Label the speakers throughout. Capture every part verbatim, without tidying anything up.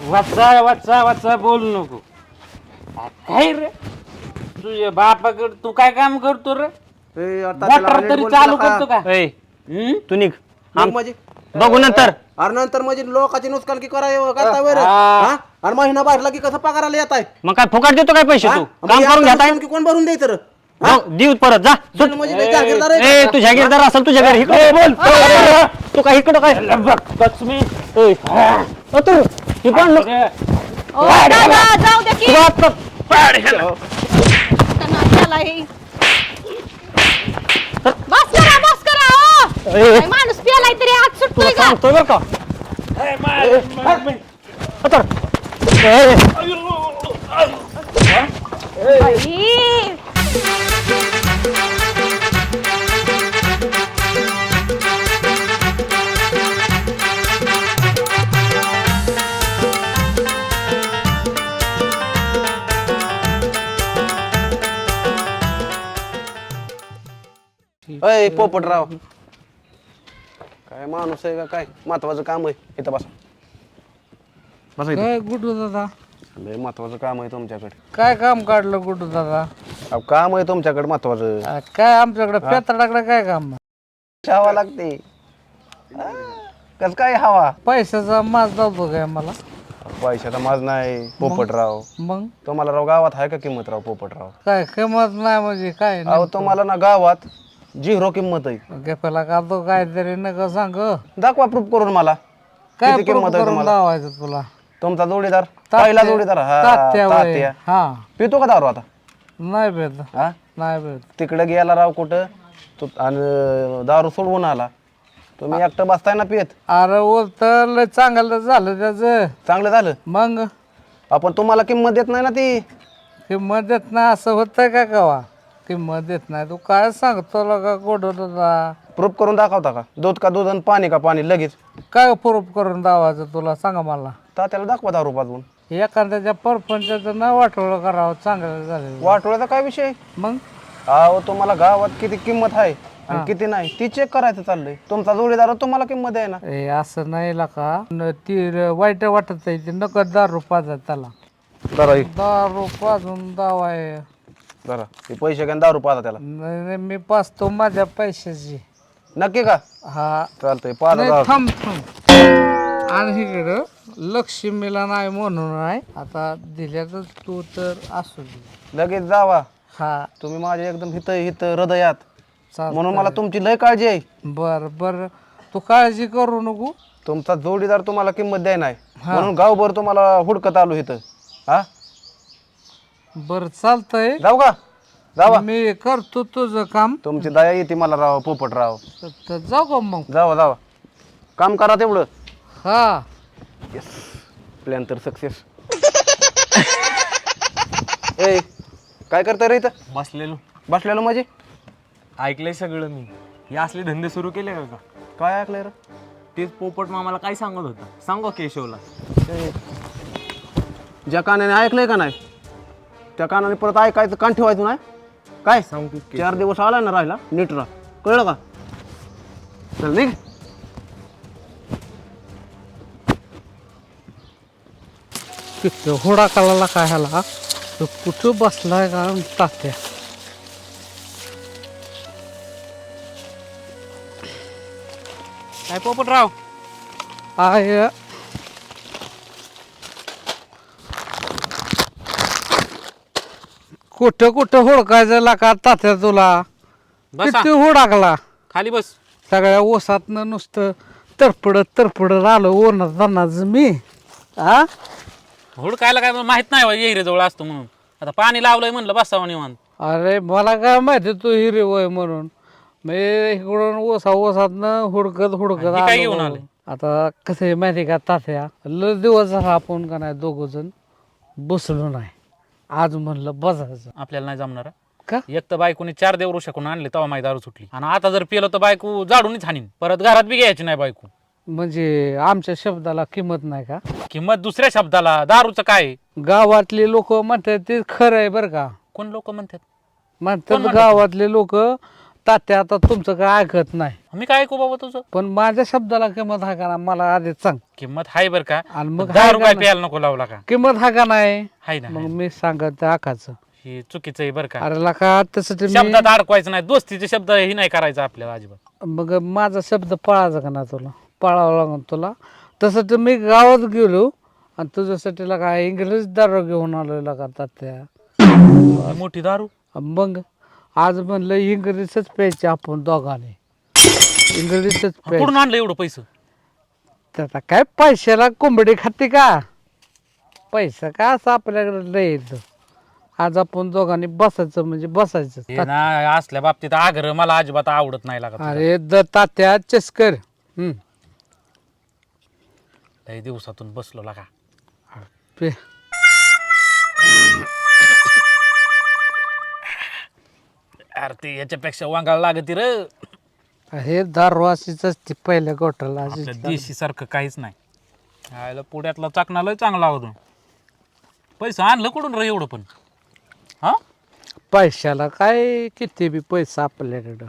Speaker 1: वाचा वाचा वाचा बोलू नको. काय रे तुझ्या बापाकडे तू काय काम करतो रे?
Speaker 2: ए, आता
Speaker 1: मोटर
Speaker 2: त्याला नीट
Speaker 1: तरी
Speaker 2: बोल
Speaker 1: चालू
Speaker 2: तुला
Speaker 1: करतो का?
Speaker 3: ए
Speaker 1: हम्म?
Speaker 3: तू निघ
Speaker 2: मग म्हणजे
Speaker 3: बघू नंतर.
Speaker 2: अरे नंतर म्हणजे लोकांची नुकसान की कराय करता वर
Speaker 1: हा.
Speaker 2: आणि महिना भरला की कसं पगाराला येत आहे
Speaker 3: मग काय फुकट देतो काय पैसे तू काम करून घेताय
Speaker 2: की कोण भरून द्यायचं रे?
Speaker 3: देऊ परत जा सुट.
Speaker 2: म्हणजे लय जागीरदार आहे
Speaker 3: ए
Speaker 2: का?
Speaker 3: तू जागीरदार असेल तुझ्या घरी इकडे बोल. तू काय इकडं काय
Speaker 1: लक्ष्मी
Speaker 3: ए, अ, तू हे पण नको.
Speaker 4: ओ दादा जाऊ दे की
Speaker 3: तुला आता-
Speaker 4: त्यांना त्याला हे बस करा बस करा ओ
Speaker 3: ए,
Speaker 4: काय माणूस पियालाय तरी हात
Speaker 3: तुला
Speaker 4: सुटतोय का
Speaker 3: सांगतोय बरं का
Speaker 1: ए, मार, मार, मार.
Speaker 3: आता. ए,
Speaker 4: बाई.
Speaker 2: अय पोपटराव काय माणूस आहे का काय महत्वाचं काम आहे इथं बसा बसा इथं.
Speaker 5: काय गुड्डू दादा
Speaker 2: लय महत्वाचं काम आहे तुमच्याकडे.
Speaker 5: काय काम काढलं गुड्डू दादा
Speaker 2: अहो, काम आहे तुमच्याकडे महत्वाचं.
Speaker 5: आ, काय आमच्याकडे पेत्राकडे काय काम
Speaker 2: हवा लागते कस काय हवा
Speaker 5: पैशाचा माज जातो काय मला
Speaker 2: पैशाचा माज नाही पोपटराव.
Speaker 5: मग
Speaker 2: तुम्हाला राव गावात आहे का किंमत राव पोपटराव?
Speaker 5: काय किंमत नाही म्हणजे काय
Speaker 2: अहो तुम्हाला ना गावात झिरो किंमत आहे.
Speaker 5: गेपाला काढतो काहीतरी नका सांग
Speaker 2: दाखवा प्रूफ करून मला.
Speaker 5: काय
Speaker 2: किती किंमत
Speaker 5: proof
Speaker 2: आहे
Speaker 5: करून
Speaker 2: तुम्हाला?
Speaker 5: लावायचं तुला
Speaker 2: तुमचा जोडीदार पहिला जोडीदार हा
Speaker 5: तात्या वय.
Speaker 2: तात्या.
Speaker 5: हा
Speaker 2: पितो का दारू आता?
Speaker 5: नाही भेट
Speaker 2: हा
Speaker 5: नाही भेट
Speaker 2: तिकडे गेला राव कुठं तू आणि दारू सोडवून आला. तुम्ही एकटं बसताय ना पित.
Speaker 5: अरे उलट लय चांगलं झालं त्याच
Speaker 2: चांगलं झालं.
Speaker 5: मग
Speaker 2: आपण तुम्हाला किंमत देत नाही ना ती.
Speaker 5: किंमत देत नाही असं होतंय का कवा किंमत देत नाही तू काय सांगतो का गुड्डू दादा
Speaker 2: प्रूफ करून दाखवता का? दूध का दूध आणि पाणी का पाणी लगेच?
Speaker 5: काय प्रूफ करून दावायचं तुला सांगा मला
Speaker 2: तात्याला दाखवा दारू पाजवून.
Speaker 5: एखाद्याच्या परपंचाचं न वाटोळं करावं चांगलं झालं
Speaker 2: वाटोळ्याचा काय विषय?
Speaker 5: मग
Speaker 2: अहो तुम्हाला गावात किती किंमत आहे आणि किती नाही ती चेक करायचं चाललंय. तुमचा जोडीदार तुम्हाला किंमत आहे ना.
Speaker 5: ए असं नाही का ती र- वाईट वाटत आहे ती नकद दारू पाजा त्याला
Speaker 2: जरा
Speaker 5: दारू पाजून दावाय
Speaker 2: जरा ते पैसे घ्या दारू पाजा त्याला.
Speaker 5: नाही नाही, मी पाजतो माझ्या पैशाची
Speaker 2: नक्की का?
Speaker 5: हा
Speaker 2: चालतंय पाजा
Speaker 5: नाही,
Speaker 2: दारू.
Speaker 5: थांब थांब आणि इकडं लक्ष्मीला नाही म्हणून नाही आता दिल्या तर तू तर असू दे
Speaker 2: लगेच जावा.
Speaker 5: हा
Speaker 2: तुम्ही माझ्या एकदम हित हित हृदयात
Speaker 5: चाल
Speaker 2: म्हणून मला तुमची लय काळजी आहे.
Speaker 5: बर बर तू काळजी करू नको
Speaker 2: तुमचा जोडीदार तुम्हाला किंमत द्याय नाही म्हणून गावभर तुम्हाला हुडकत आलो इथं. हा
Speaker 5: बर चालतंय
Speaker 2: जाऊ का? जावा.
Speaker 5: मी करतो तुझं काम
Speaker 2: तुमची दया येते मला राव पोपटराव.
Speaker 5: तर जाऊ का मग
Speaker 2: जावा जावा काम करा तेवढं.
Speaker 5: हा
Speaker 2: प्लॅन तर सक्सेस. ए काय करताय रे इथं
Speaker 3: बसलेलो
Speaker 2: बसलेलो म्हणजे?
Speaker 3: ऐकलंय सगळं मी. हे असले धंदे सुरू केले का?
Speaker 2: काय ऐकलंय रे?
Speaker 3: तेच पोपट मामाला काय सांगत होता सांगू केशवला.
Speaker 2: ए, ज्या कानाने ऐकलंय का नाही त्या कानाने परत ऐकायचं कान ठेवायचं नाही काय?
Speaker 3: सांगतो की.
Speaker 2: चार दिवस आलाय ना राहिला नीट राहा कळलं का? चल निघ.
Speaker 5: तिथं होडा कालाला काय ह्याला तो कुठं बसलाय का तात्या
Speaker 3: काय पोपटराव
Speaker 5: आय कुठं कुठं हुडकायचं का तात्या तुला किती हुडाकला
Speaker 3: खाली बस.
Speaker 5: सगळ्या ओसातनं नुसतं तरपडत तरपडत आलं ओरणार जाणार मी हा
Speaker 3: हुडकायला काय माहित नाही येईरे जवळ असतो म्हणून आता पाणी लावलंय म्हणलं बसावं निवांत.
Speaker 5: अरे मला काय माहिती तू हिरे वय म्हणून मी इकडून ओसा ओसातनं हुडकत हुडकत
Speaker 3: हे काय घेऊन
Speaker 5: आलो.
Speaker 3: आले?
Speaker 5: आता कसं आहे माहिती का तात्या लय दिवस झाला आपण का नाही दोघ जण बसलो नाही आज म्हणलं बसायचं
Speaker 3: आपल्याला नाही जमणार.
Speaker 5: का
Speaker 3: एक तर बायकोने चार देव शकून आणले तेव्हा माझी दारू सुटली आणि आता जर पिलं तर बायको जाडूनच हाणीन परत घरात बी घ्यायची नाही बायको.
Speaker 5: म्हणजे आमच्या शब्दाला किंमत नाही का
Speaker 3: किंमत दुसऱ्या शब्दाला दारूचं काय?
Speaker 5: गावातले लोक म्हणतात ते खरं आहे बरं का
Speaker 3: कोण लोक म्हणतात
Speaker 5: म्हणतात गावातले लोक तात्या आता तुमचं काय ऐकत नाही,
Speaker 3: मी काय ऐकू बाबा तुझं?
Speaker 5: पण माझ्या शब्दाला किंमत हा का ना मला आधी सांग.
Speaker 3: किंमत हाय बर का?
Speaker 5: आणि मग
Speaker 3: दहा
Speaker 5: हाय
Speaker 3: रुपये
Speaker 5: का
Speaker 3: प्यायला नको लावला का?
Speaker 5: किंमत हा का नाही,
Speaker 3: हाय ना,
Speaker 5: मग
Speaker 3: हाय ना.
Speaker 5: मी सांगत आकाचं.
Speaker 3: हे चुकीचं आहे बर का?
Speaker 5: अरे लका तसं ते मी-
Speaker 3: शब्दात अडकवायचं नाही, दोस्तीचे शब्द ही नाही करायचं आपल्याला अजिबात.
Speaker 5: मग माझा शब्द पळायचा का ना तुला, पळावं लागून तुला. तसं तर मी गावात गेलो आणि तुझ्यासाठी काय इंग्रज दारू घेऊन आलो लका तात्या.
Speaker 3: ही मोठी दारू.
Speaker 5: मग आज म्हणलं इंग्रजीच प्यायचे आपण दोघांनी, इंग्रजीच प्यायचं.
Speaker 3: कुठून आणलं एवढं पैसे?
Speaker 5: आता काय पैशाला कोंबडी खाते का, पैसा का असं आपल्याकडे लय येतं. आज आपण दोघांनी बसायचं म्हणजे बसायचं.
Speaker 3: हे ना असल्या बाबतीत आग्रह मला अजिबात आवडत नाही लागत.
Speaker 5: अरे द तात्या चस्कर. हम्म
Speaker 3: लय दिवसातून बसलो लागा.
Speaker 5: पे
Speaker 3: अरे ते याच्यापेक्षा वांगाळ लागत र.
Speaker 5: हे दारू अशीच असते पहिल्या गोठाला
Speaker 3: आपल्या
Speaker 5: अशीच.
Speaker 3: देशी सारखं काहीच नाही. आयला पुण्यातला चाकणा लय चांगला होतो. पैसा आणलं कुठून रे एवढं पण? हा
Speaker 5: पैशाला काय किती बी पैसा आपल्याकडं.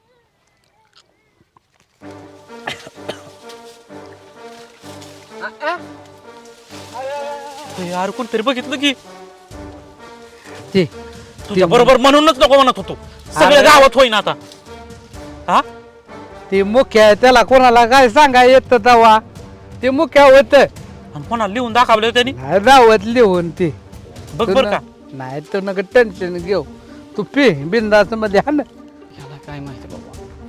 Speaker 3: यार कोणतरी बघितलं की
Speaker 5: ते
Speaker 3: तुझ्या बरोबर म्हणूनच नको म्हणत होतो. सगळ्या
Speaker 5: अरे.
Speaker 3: गावात होईन आता. हा
Speaker 5: ते मुख्य आहे, त्याला कोणाला काय सांगा येत तवा ते मुख्य होत
Speaker 3: आणि कोणाला लिहून दाखवलं त्यांनी?
Speaker 5: दावत लिहून ते.
Speaker 3: बघ
Speaker 5: तू
Speaker 3: बर
Speaker 5: न-
Speaker 3: का.
Speaker 5: नाही तू नका टेन्शन घेऊ, तू पी बिंदास मध्ये हा ना.
Speaker 3: याला काय माहिती बाबा.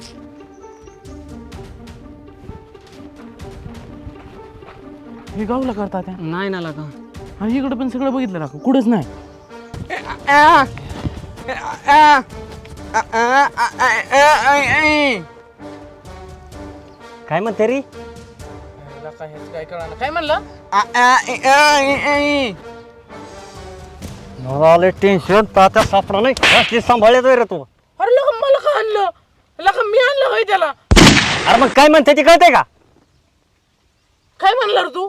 Speaker 3: हे गावला करतात
Speaker 6: नाही ना लागा.
Speaker 3: आणि इकडे पण सगळं बघितलं ना कुठेच नाही.
Speaker 6: काय म्हणते रे?
Speaker 3: काय कळणार काय म्हणलं?
Speaker 6: मला टेन्शन तात्या सापडा नाही असली सांभाळतोय रे तू.
Speaker 3: अरे लका मला का आणलं? लका मी आणलं होय त्याला.
Speaker 6: अरे मग काय म्हणते ते कळतंय का?
Speaker 3: काय म्हणलं रे तू?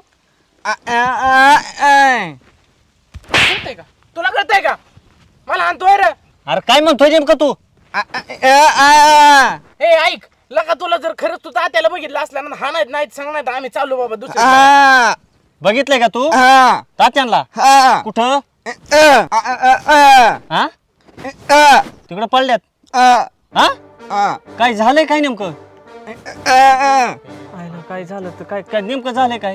Speaker 3: कळतंय का तुला? कळतंय का मला आणतोय रे?
Speaker 6: अरे काय म्हणतोय नेमकं तू?
Speaker 3: हे ऐक लका, तुला जर खरंच तू तात्याला बघितलं असल्या ना हा नाही नाही सांगणार आम्ही चालू बाबा दुसऱ्या.
Speaker 6: बघितलंय का तू तात्यांना? कुठं? हा तिकडं पडल्यात. हा काय झालंय काय नेमकं? आयला काय झालं तर काय काय नेमकं झालंय काय?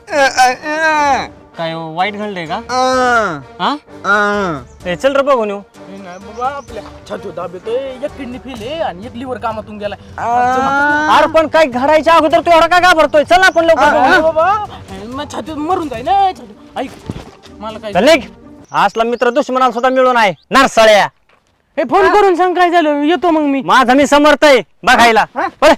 Speaker 6: काय वाईट घडलंय का? हा ए, चल रे बघून येऊ.
Speaker 3: नाही बाबा आपल्या छाती दाबतोय, एक किडनी फेल आहे आणि एक लिव्हर कामातून गेलाय.
Speaker 6: अरे पण काय घडायच्या अगोदर तू एवढा का घाबरतोय? चल ना आपण लवकर बघून येऊ.
Speaker 3: बाबा मग छातीत मरून जाईल ना छाती. ऐक मला काय
Speaker 6: चल निघ. असला मित्र दुश्मनाला सुद्धा मिळून आहे नारसाळ्या.
Speaker 3: हे फोन करून सांग काय झालं, येतो मग मी.
Speaker 6: माझा मी समर्थ आहे बघायला. पळ.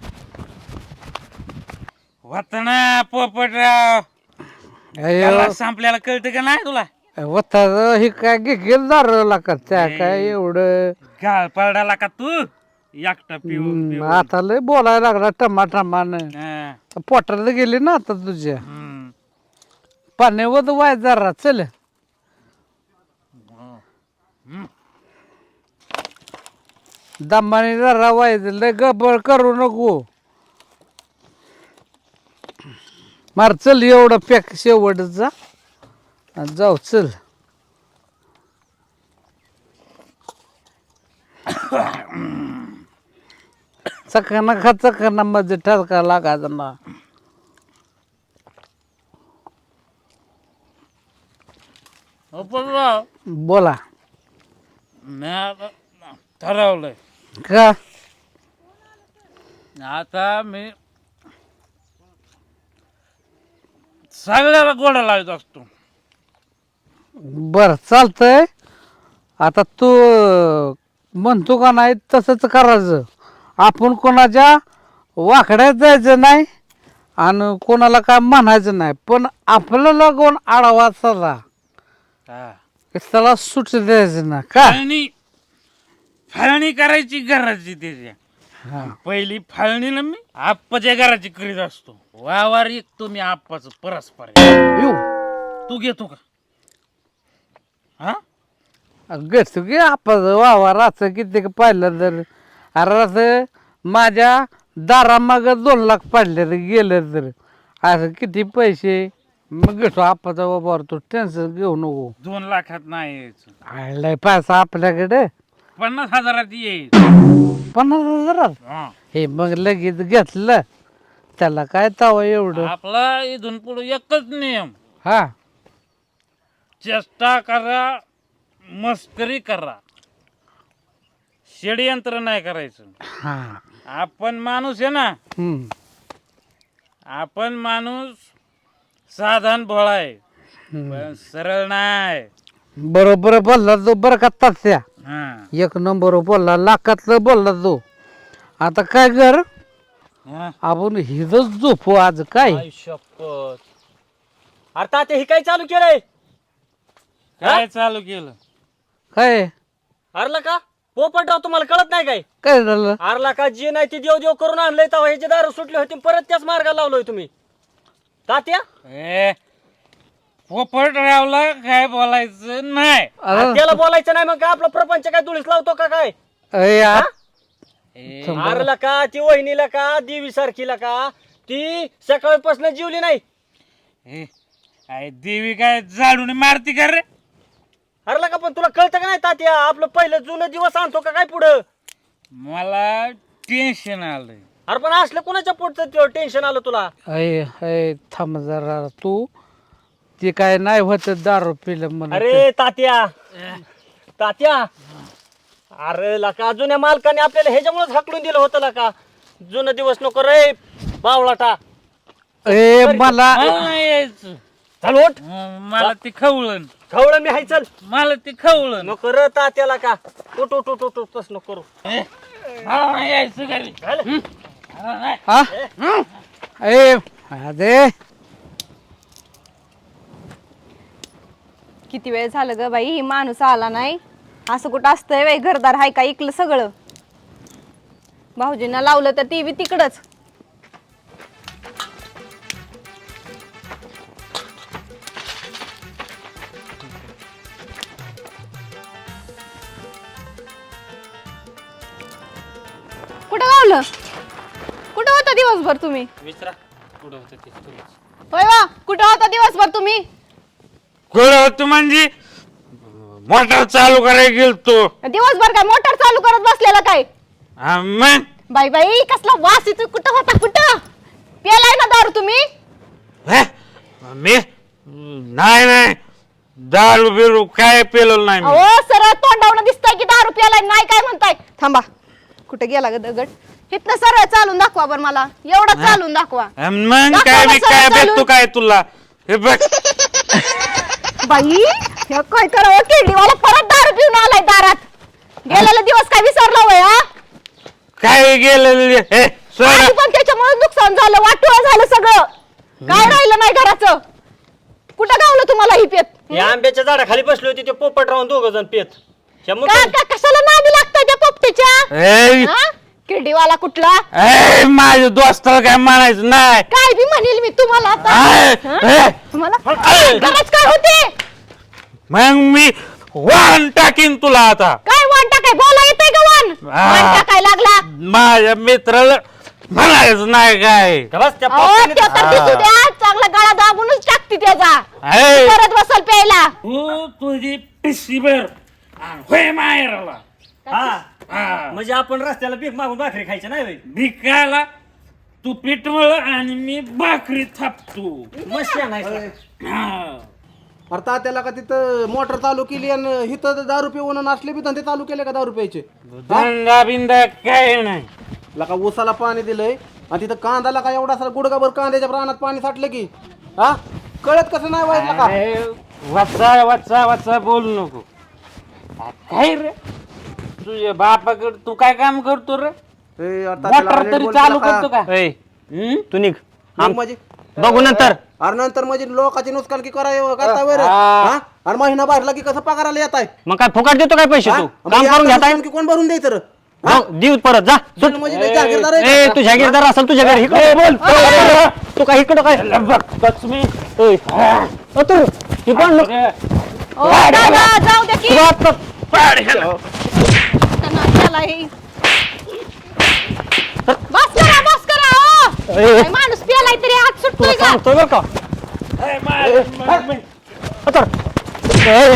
Speaker 1: वातना पोपटराव त्याला संपल्याला कळतं का नाही तुला?
Speaker 5: वता हे काय घेल दारूला का त्या काय एवढं.
Speaker 1: गाळ पडाला का तू एकटा पिऊन
Speaker 5: हम्म,
Speaker 1: पिऊन.
Speaker 5: आता लय बोलायला लागला टमा टमान.
Speaker 1: हा,
Speaker 5: पोटाला गेली ना आता तुझ्या.
Speaker 1: हम्म.
Speaker 5: पाण्यावर वाय जरा चल. दमाने जरा वाय लय गबळ करू नको. मार चल एवढं पॅक शेवटचा आणि जाऊ चल. चकना खा चकना मध्ये ठरका लागायचा ना.
Speaker 1: पोपटराव
Speaker 5: बोला
Speaker 1: मी आता ठरवलंय
Speaker 5: का.
Speaker 1: आता मी सगळ्याला गोडा लावत असतो.
Speaker 5: बर चालतंय. आता तू म्हणतो का नाही तसंच करायचं. आपण कोणाच्या वाकड्यात जायचं नाही आणि कोणाला काय म्हणायचं नाही, पण आपल्याला कोण आडावा चला त्याला सुट द्यायचं ना का.
Speaker 1: फाळणी फाळणी करायची घराची त्याच्या.
Speaker 5: हा.
Speaker 1: पहिली फाळणीला मी आप्पाच्या घराची करीत असतो. वावर एकतो मी आप्पाच परस्पर आहे.
Speaker 5: येऊ
Speaker 1: तू घेतो का? हा
Speaker 5: घेतो की आपण वावा राच किती पाहिलं तर अरे असं माझ्या दारामाग दोन लाख पडले तर गेलं तर असं किती पैसे मग घेतो आपाचा बाबा तू टेन्शन घेऊ नको.
Speaker 1: दोन लाखात नाही यायचं,
Speaker 5: आलाय पैसा आपल्याकडे
Speaker 1: पन्नास हजारात येईल.
Speaker 5: पन्नास हजारात
Speaker 1: हा.
Speaker 5: हे मग लगेच घेतलं त्याला काय तवा एवढं.
Speaker 1: आपला इथून पुढे एकच नियम,
Speaker 5: हा
Speaker 1: चेष्टा करा, मस्करी करा, षडयंत्र नाही करायचं.
Speaker 5: हा
Speaker 1: आपण माणूस आहे ना,
Speaker 5: हम्म.
Speaker 1: आपण माणूस साधारण भोळा आहे, पण सरळ नाही.
Speaker 5: बरोबर बोलला तो बरं का तस्या
Speaker 1: हा.
Speaker 5: एक नंबर बोलला लाखातलं बोलला तो. आता काय कर
Speaker 1: हा.
Speaker 5: आपण हिजच झोपू आज काय.
Speaker 6: आई शपथ. अरे तात्या हे काय चालू केलंय?
Speaker 1: काय चालू केलं?
Speaker 5: काय
Speaker 6: अरला का पोपटराव तुम्हाला कळत नाही काय?
Speaker 5: काय झालं
Speaker 6: अरला का जे नाही ते देव देव करून आणलंय तेव्हा ह्याचे दारू सुटले होते परत त्याच मार्गाला लावलोय तुम्ही तात्या.
Speaker 1: ए पोपटरावला काय बोलायचं नाही.
Speaker 5: अरे
Speaker 6: त्याला बोलायचं नाही मग काय आपला प्रपंच काय दुळीस लावतो का काय?
Speaker 5: अरे यार,
Speaker 1: ए,
Speaker 6: अरला का ती वहिनीला का देवी सारखीला का ती सकाळपासून जीवली नाही.
Speaker 1: ए, काय देवी काय झाडून मारती का रे?
Speaker 6: अरला का पण तुला कळतं का नाही तात्या आपलं पहिलं जुनं दिवस आणतो का काय पुढं?
Speaker 1: मला टेन्शन आलंय.
Speaker 6: अरे पण असलं कोणाच्या पोटचं टेन्शन आलं तुला?
Speaker 5: अय अय थांब जरा तू ते काय नाही होत दारू पिलं म्हणून.
Speaker 6: अरे तात्या तात्या अरे लका जुन्या मालकाने आपल्याला ह्याच्यामुळेच हाकलून दिलं होतं लका. जुनं दिवस नको रे बावळाटा.
Speaker 5: ए मला
Speaker 1: मला नाही यायचं.
Speaker 6: चल ओट
Speaker 1: हं, मला ती खवळण,
Speaker 6: खवळण मी हाय चल
Speaker 1: मला ती खवळण.
Speaker 6: नको र तात्याला का उठ उठ उठ उठ उठ तस नको करू.
Speaker 1: ए, मला नाही यायचं घरी. हं? मला नाही.
Speaker 5: हा ए अरे
Speaker 4: किती वेळ झालं ग बाई, माणूस आला नाही. असं कुठं असतंय बाई, घरदार हाय का इकलं सगळं. भाऊजींना लावलं तर ती बी तिकडच. कुठं लावलं? कुठं होता दिवसभर तुम्ही?
Speaker 1: विचारा कुठं होतं ते तुम्हीच.
Speaker 4: होय वा, कुठं होता दिवसभर तुम्ही?
Speaker 1: कुठं होतं म्हणजे मोटर चालू करायला गेलतो.
Speaker 4: दिवसभर काय मोटर चालू करत बसलेला काय?
Speaker 1: हा, मग
Speaker 4: बाई बाई कसला वास येतो. कुठं होता? कुठं प्यालाय ना दारू तुम्ही?
Speaker 1: हे? मी नाही नाही दारू बिरू काय पेलो नाही मी.
Speaker 4: अहो सरळ तोंडावून दिसतंय की दारू प्यालाय. नाही काय म्हणताय? थांबा, कुठे गेला ग दगड? इथनं सरळ चालून दाखवा बर मला. एवढं चालून दाखवा.
Speaker 1: अन मग
Speaker 4: दाखवा
Speaker 1: काय मी
Speaker 4: ना
Speaker 1: काय
Speaker 4: सरळ
Speaker 1: भेटतो
Speaker 4: चालून.
Speaker 1: काय तुला? हे बघ
Speaker 4: बाई हे काय करावं? केडीवाला परत दारू पिऊन आलाय दारात. गेलेला दिवस काय विसरला वय? हा
Speaker 1: काय गेलेलं हे सोड.
Speaker 4: आधी पण त्याच्यामुळे नुकसान झालं, वाटोळं झालं सगळं. काय राहिलं नाही घराचं. कुठं गावलं तुम्हाला ही पेत?
Speaker 6: या आंब्याच्या झाडाखाली बसली होती ते पोपट राहून दोघ जण पेत. ह्या मुका-
Speaker 4: का का- कशाला नादी लागतंय त्या पोपटीच्या?
Speaker 1: ए,
Speaker 4: हा? किडीवाला कुठला?
Speaker 1: ए, माझ्या दोस्ताला काय म्हणायचं नाही.
Speaker 4: काय बी म्हणेल मी तुम्हाला आता.
Speaker 1: ए,
Speaker 4: हा?
Speaker 1: ए,
Speaker 4: तुम्हाला
Speaker 1: ए.
Speaker 4: गरज काय होती?
Speaker 1: मग मी वाहन टाकीन तुला आता.
Speaker 4: काय वाण टाकाय? बोला येतंय का वाण?
Speaker 1: आ.
Speaker 4: वाण टाकाय लागला.
Speaker 1: माझ्या मित्राला म्हणायचं नाही काय.
Speaker 6: का बस त्या
Speaker 4: अहो,
Speaker 6: पोपटीने-
Speaker 4: त्यो तर दिसू द्या. चांगला गळा दाबूनच टाकते त्याचा.
Speaker 1: ए,
Speaker 4: परत बसल प्यायला.
Speaker 1: तू तुझी पिशी भर आणि होय माहेराला.
Speaker 6: हा
Speaker 1: हा.
Speaker 6: म्हणजे आपण रस्त्याला पीक मागून भाकरी खायची नाही होय?
Speaker 1: भिकायला तू पिठवळ आणि मी भाकरी थापतो.
Speaker 6: मस्त नाही
Speaker 1: हा.
Speaker 2: अरे तात्याला का तिथं मोटर चालू केली आणि इथं दारू पिऊन नसले बी धंदे चालू केले का दारू प्यायचे?
Speaker 1: धंदा बिंदा काय नाही.
Speaker 2: लका ऊसाला पाणी दिलंय आणि तिथं कांदाला का एवढा सारा गुडगाभर कांद्याच्या प्राणात पाणी साठलं की हा कळत कसं नाही व्हायचं का?
Speaker 1: अरे, वाचा वाचा वाचा बोलू नको. आ, काय रे तुझ्या बापाकडे तू काय काम करतो रे?
Speaker 2: ए, अरे तात्याला
Speaker 1: मोटर
Speaker 2: नीट
Speaker 1: तरी
Speaker 2: बोल
Speaker 1: चालू
Speaker 2: तुला
Speaker 1: करतो का?
Speaker 6: ए,
Speaker 1: हं?
Speaker 6: तू निघ
Speaker 2: मग म्हणजे
Speaker 6: बघू नंतर.
Speaker 2: अरे नंतर म्हणजे लोकांची नुकसान की कराय करता वर
Speaker 1: हा.
Speaker 2: आणि महिना भरला की कसं पगाराला येत आहे
Speaker 6: मग काय फुकाट देतो काय पैसे तू काम करून घेताय
Speaker 2: की कोण भरून द्यायचं रे?
Speaker 6: देऊ परत जा सुट.
Speaker 2: म्हणजे लय जागीरदार आहे
Speaker 6: ए
Speaker 2: का?
Speaker 6: तू जागीरदार असेल तुझ्या घरी इकडे बोल तू काय इकडं काय
Speaker 1: बघतोच मी.
Speaker 6: ओय. ओ, तू हे कोण लोक?
Speaker 1: अरे,
Speaker 4: ओ, दादा, जाऊ द्या की.
Speaker 6: तू आता-
Speaker 1: पाड ह्याला.
Speaker 4: त्यांना त्याला हे- बस करा बस करा ओ. काय माणूस पियालाय तरी हात सुटतोय
Speaker 6: तुला
Speaker 4: का
Speaker 6: सांगतोय बरं का
Speaker 1: ए, मा- मा- मा-
Speaker 6: उतर. ए,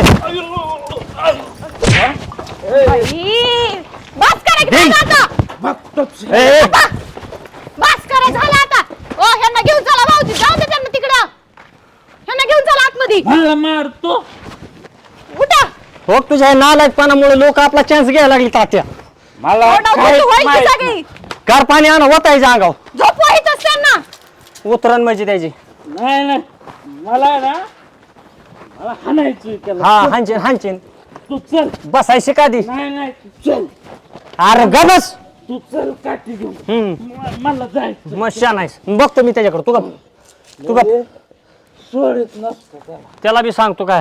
Speaker 4: बाई, बस करा की झालं आता
Speaker 1: बघतोच.
Speaker 6: ए, ए,
Speaker 4: बस करा झालं आता ओ ह्यांना घेऊन चला भाऊजी जाऊ दे त्यांना तिकडं ह्यांना घेऊन चला आतमध्ये
Speaker 1: मला मारतो.
Speaker 4: उठा
Speaker 6: हो तुझ्या नालायकपणामुळे लोक आपला चान्स घ्यायला लागली तात्या
Speaker 1: मला
Speaker 4: ओरडा,
Speaker 1: काहीच
Speaker 4: उठू, व्हायची
Speaker 1: माहित
Speaker 4: सगळी.
Speaker 1: नाही.
Speaker 6: गार पाणी आणा वतायच्या अंगाव
Speaker 4: झोप वाहितच त्यांना
Speaker 6: उतरण म्हणजे त्याची
Speaker 1: नाही नाही मला ना मला हाणायचं त्याला.
Speaker 6: हा हांचीन हांचीन
Speaker 1: तू चल.
Speaker 6: बसायची का दी
Speaker 1: नाही नाही तू चल.
Speaker 6: अरे गबस
Speaker 1: तू चल काठी घेऊन.
Speaker 6: हम्म
Speaker 1: म- मला जायचं.
Speaker 6: मग शान आहेस बघतो मी त्याच्याकडे तू गप तू गप
Speaker 1: सोडत नसतं त्याला.
Speaker 6: त्याला बी सांगतो काय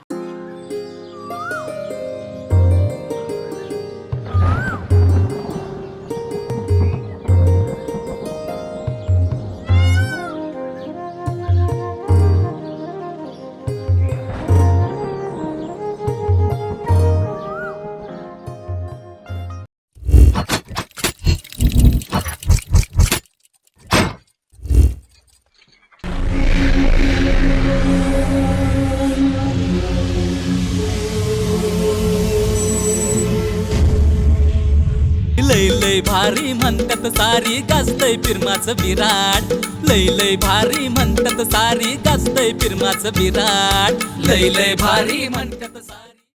Speaker 7: लय लय भारी म्हणतात सारी गाजतय फिरमाचं विराट लय लय भारी म्हणतात सारी गाजतय फिरमाचं विराट लय लय भारी म्हणतात सारी